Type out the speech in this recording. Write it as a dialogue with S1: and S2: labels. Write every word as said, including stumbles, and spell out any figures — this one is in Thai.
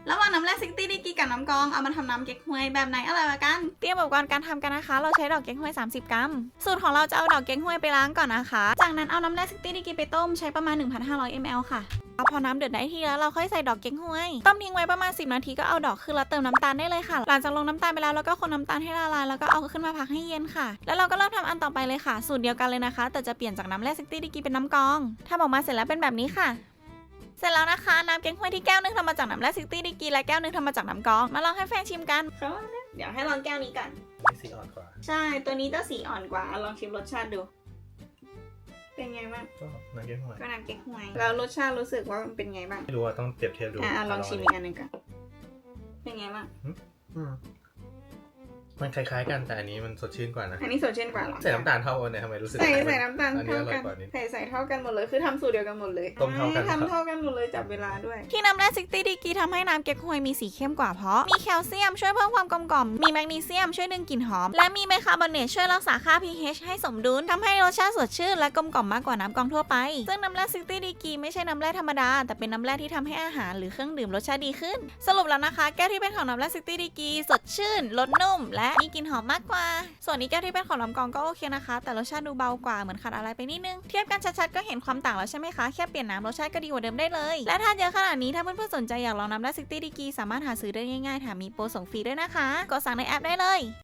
S1: ระหว่างน้ำแร่ซิตี้ดีกรีกับน้ำกรองเอามาทำน้ำเก๊กฮวยแบบไหนอร่อยกว่ากันเตรียมอุปกรณ์การทำกันนะคะเราใช้ดอกเก๊กฮวยสามสิบกรัมสูตรของเราจะเอาดอกเก๊กฮวยไปล้างก่อนนะคะจากนั้นเอาน้ำแร่ซิตี้ดีกรีไปต้มใช้ประมาณ หนึ่งพันห้าร้อยมิลลิลิตร ค่ะเอาพอน้ำเดือดได้ที่แล้วเราค่อยใส่ดอกเก๊กฮวยต้มทิ้งไว้ประมาณสิบนาทีก็เอาดอกขึ้นแล้วเติมน้ำตาลได้เลยค่ะหลังจากลงน้ำตาลไปแล้วเราก็คนน้ำตาลให้ละลายแล้วก็เอาขึ้นมาพักให้เย็นค่ะแล้วเราก็เริ่มทำอันต่อไปเลยค่ะสูตรเดียวกันเลยนะคะแต่จะเปลี่ยนจากน้ำแร่ซิตี้ดีกรีเป็นน้ำกรองทำออกมาเสร็จแล้วเป็นแบบนี้ค่ะเสร็จแล้วนะคะน้ำเก๊กฮวยที่แก้วนึงทำมาจากน้ำแร่ซิตี้ดีกรีและแก้วนึงทำมาจากน้ำกรองมาลองให้แฟนชิมกันเดี๋ยวให้ลองแก้วนี้กัน
S2: นี่สีอ่อนกว่า
S1: ใช่ตัวนี้จะสีอ่อนกว่าลองชิมรสชาติดูเป็นไงบ้าง
S2: ก็น้ำเก๊กฮวย
S1: ก็น้ำเก๊กฮวยแล้วรสชาติรู้สึกว่ามันเป็นไงบ้าง
S2: ไม่รู้ว่าต้องเปรียบเทียบดู
S1: อ่ะลองชิมอีกอันหนึ่งกันเป็นไงบ้าง
S2: อืมมันคล้ายๆกันแต่อันนี้มันสดชื่นกว่านะ
S1: อันนี้สดชื่นกว่าเหรอ
S2: ใส่น้ำตาลเท่ากันเนี่ยทำไมรู้สึก
S1: ใส่ใส่น้ำตาล
S2: อันนี้
S1: เท่า
S2: อร่อ
S1: กั
S2: ย
S1: น
S2: กว่านี้
S1: ใส่ใส่เท่ากันหมดเลยคือทำสูตรเดียวกันหมดเลย
S2: ต้มเท่ากัน
S1: ทำเท่ากันหมดเลยจับเวลาด้วย
S3: ที่น้ำแร่ซิตี้ดีกรีทำให้น้ำเก๊กฮวยมีสีเข้มกว่าเพราะมีแคลเซียมช่วยเพิ่มความกลมกล่อมมีแมกนีเซียมช่วยดึงกลิ่นหอมและมีไบคาร์บอเนตช่วยรักษาค่า pH ให้สมดุลทำให้รสชาติสดชื่นและกลมกล่อมมากกว่าน้ำกรองทั่วไปซึ่งน้ำแร่ซิตี้ดีกรีไม่ใช่น้ำแร่ธรรมดาแต่เป็นน้ำแร่ที่ทำให้อาหารหรือเครื่องดื่มรสชาติดีขึ้นสรุปแล้วนะคะแก้วที่เป็นของน้ำแร่ซิตี้ดีกรีสดชื่นรสนุ่มและมีกลิ่นหอมมากกว่าส่วนนี้แก้วที่เป็นของน้ำกรองก็โอเคนะคะแต่รสชาติดูเบากว่าเหมือนขาดอะไรไปนิดนึงเทียบกันชัดๆก็เห็นความต่างแล้วใช่ไหมคะแค่เปลี่ยนน้ำรสชาติก็ดีกว่าเดิมได้เลยและถ้าเยอะขนาดนี้ถ้าเพื่อนๆสนใจอยากลองน้ำแร่ซิตี้ดีกรีสามารถหาซื้อได้ง่ายๆแถมมีโปรส่งฟรีด้วยนะคะกดสั่งในแอปได้เลย